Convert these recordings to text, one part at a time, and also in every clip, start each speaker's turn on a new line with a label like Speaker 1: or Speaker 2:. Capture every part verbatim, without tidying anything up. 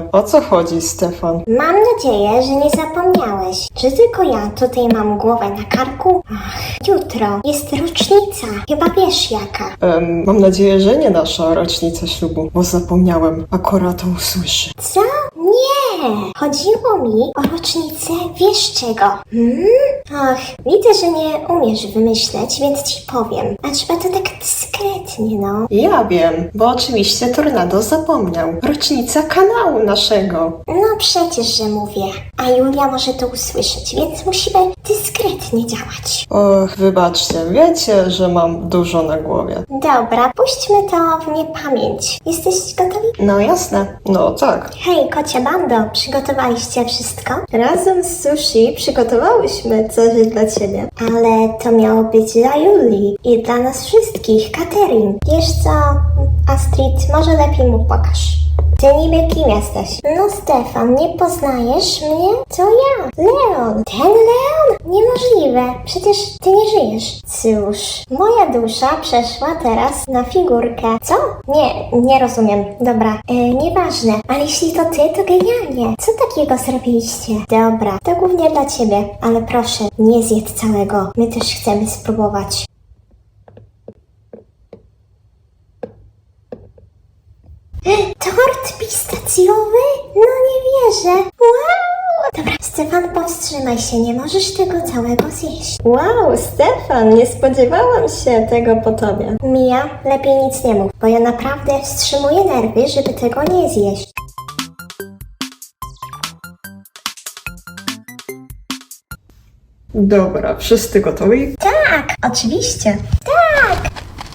Speaker 1: O co chodzi, Stefan?
Speaker 2: Mam nadzieję, że nie zapomniałeś. Czy tylko ja tutaj mam głowę na karku? Ach, jutro jest rocznica. Chyba wiesz jaka.
Speaker 1: Em, mam nadzieję, że nie nasza rocznica ślubu, bo zapomniałem. Akora to usłyszy.
Speaker 2: Co? Nie! Chodziło mi o rocznicę wiesz czego? Hmm? Ach, widzę, że nie umiesz wymyśleć, więc ci powiem. A trzeba to tak dyskretnie, no.
Speaker 1: Ja wiem, bo oczywiście Tornado zapomniał. Rocznica kanału naszego.
Speaker 2: No przecież, że mówię. A Julia może to usłyszeć, więc musimy dyskretnie działać.
Speaker 1: Och, wybaczcie, wiecie, że mam dużo na głowie.
Speaker 2: Dobra, puśćmy to w niepamięć. Jesteś gotowi?
Speaker 1: No jasne, no tak.
Speaker 2: Hej, kocia bando, przygotowaliście wszystko? Razem z sushi przygotowałyśmy coś dla ciebie. Ale to miało być dla Julii i dla nas wszystkich, catering. Wiesz co, Astrid, może lepiej mu pokaż. Ty niby kim jesteś? No Stefan, nie poznajesz mnie? To ja, Leon. Ten Leon? Niemożliwe, przecież ty nie żyjesz. Cóż, moja dusza przeszła teraz na figurkę. Co? Nie, nie rozumiem. Dobra, e, nieważne. Ale jeśli to ty, to genialnie. Co takiego zrobiliście? Dobra, to głównie dla ciebie, ale proszę, nie zjedz całego. My też chcemy spróbować. Tort pistacjowy? No nie wierzę. Wow! Dobra, Stefan, powstrzymaj się, nie możesz tego całego zjeść. Wow, Stefan, nie spodziewałam się tego po tobie. Mia, lepiej nic nie mów, bo ja naprawdę wstrzymuję nerwy, żeby tego nie zjeść.
Speaker 1: Dobra, wszyscy gotowi?
Speaker 2: Tak, oczywiście. Tak!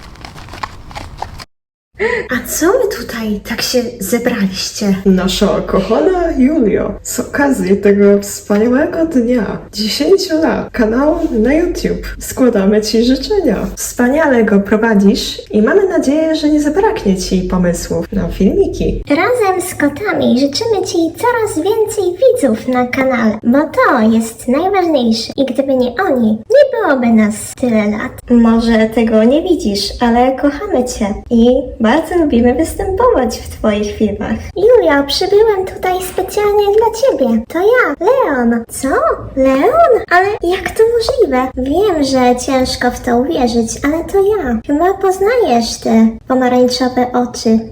Speaker 2: A co wy tutaj tak się zebraliście?
Speaker 1: Nasza kochana Julio, z okazji tego wspaniałego dnia, dziesięciu lat kanału na YouTube, składamy Ci życzenia. Wspaniale go prowadzisz i mamy nadzieję, że nie zabraknie Ci pomysłów na filmiki.
Speaker 2: Razem z kotami życzymy Ci coraz więcej widzów na kanale, bo to jest najważniejsze i gdyby nie oni, nie byłoby nas tyle lat. Może tego nie widzisz, ale kochamy Cię i bardzo lubimy występować w Twoich filmach. Julia, przybyłem tutaj specjalnie dla Ciebie. To ja, Leon. Co? Leon? Ale jak to możliwe? Wiem, że ciężko w to uwierzyć, ale to ja. Chyba poznajesz te pomarańczowe oczy.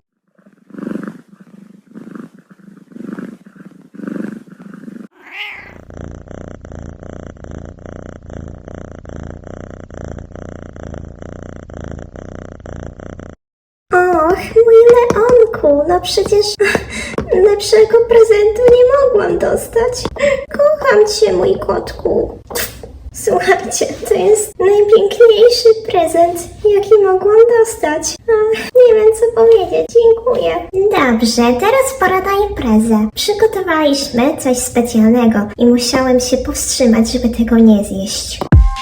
Speaker 2: Och, mój Leonku, no przecież lepszego prezentu nie mogłam dostać. Kocham Cię, mój kotku. Słuchajcie, to jest najpiękniejszy prezent, jaki mogłam dostać. Ach, nie wiem co powiedzieć, dziękuję. Dobrze, teraz pora na imprezę. Przygotowaliśmy coś specjalnego i musiałem się powstrzymać, żeby tego nie zjeść.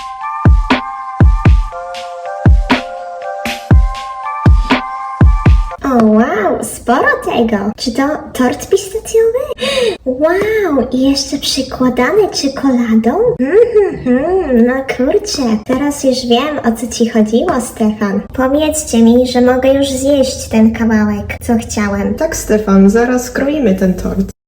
Speaker 2: O wow, sporo tego. Czy to tort pistacjowy? Wow, i jeszcze przykładany czekoladą? Mhm, no kurczę, teraz już wiem o co Ci chodziło, Stefan. Powiedzcie mi, że mogę już zjeść ten kawałek, co chciałem.
Speaker 1: Tak, Stefan, zaraz kroimy ten tort.